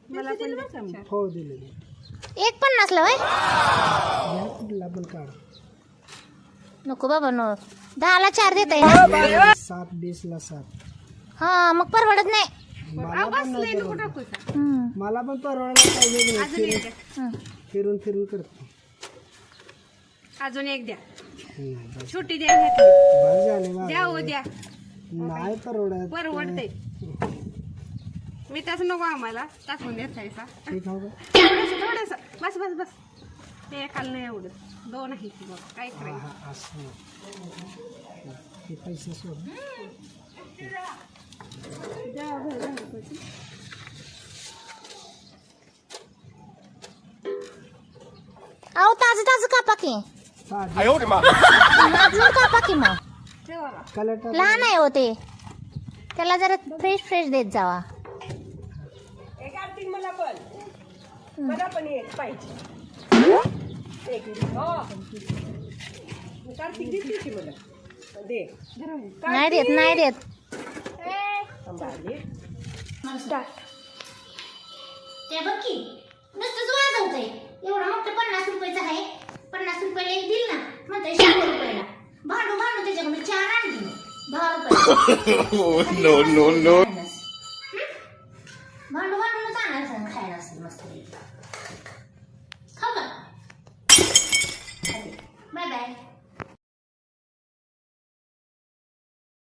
मला पण हो दिले. एक 50 ला वय घ्या कुठला पण काढ. नको बाबा नो 10 ला 4 देत आहे ना 7 ला 7. हा मग परवडत नाही. मला पण नाही नको परवडत. टाकू का? मला पण परवडायला पाहिजे की नाही. अजून एक द्या. फिरून फिरून करतो. अजून एक द्या. नाही, बस. छोटी द्या घेतली. बस झाले बा. द्या हो द्या. नाही परवडत. परवडते. मी त्याच नको आम्हाला टाकून द्यायचा. हे खाऊ का? थोडस बस बस बस. ते एकाला नाही एवढं 2 आहे की बघ काय करायचं. हा, असं. हे पैसे सोड. द्या बरं, द्या रुपयाची. अहो ताज ताज कापा की साधी अजून कापा की मग ठेवा ना. कलर टाक. लहान आहे हो ते त्याला जरा फ्रेश फ्रेश देत जावा. एक आरती मला पण एक पाहिजे. एक हो. कार्तिक देते की मला. दे. नाही देत नाही देत. ते बघ की नुसतंच वाजवतंय. एवढा मोठं 50 रुपयाचं आहे. 50 रुपयाला एक दिल ना म्हणतंय 100 रुपयाला. भांडू भांडू त्याच्याकडून 4 आणली 10 रुपये. नो भांडू भांडूनच आणायचं खायला असेल मस्त. खाऊ का बाय बाय.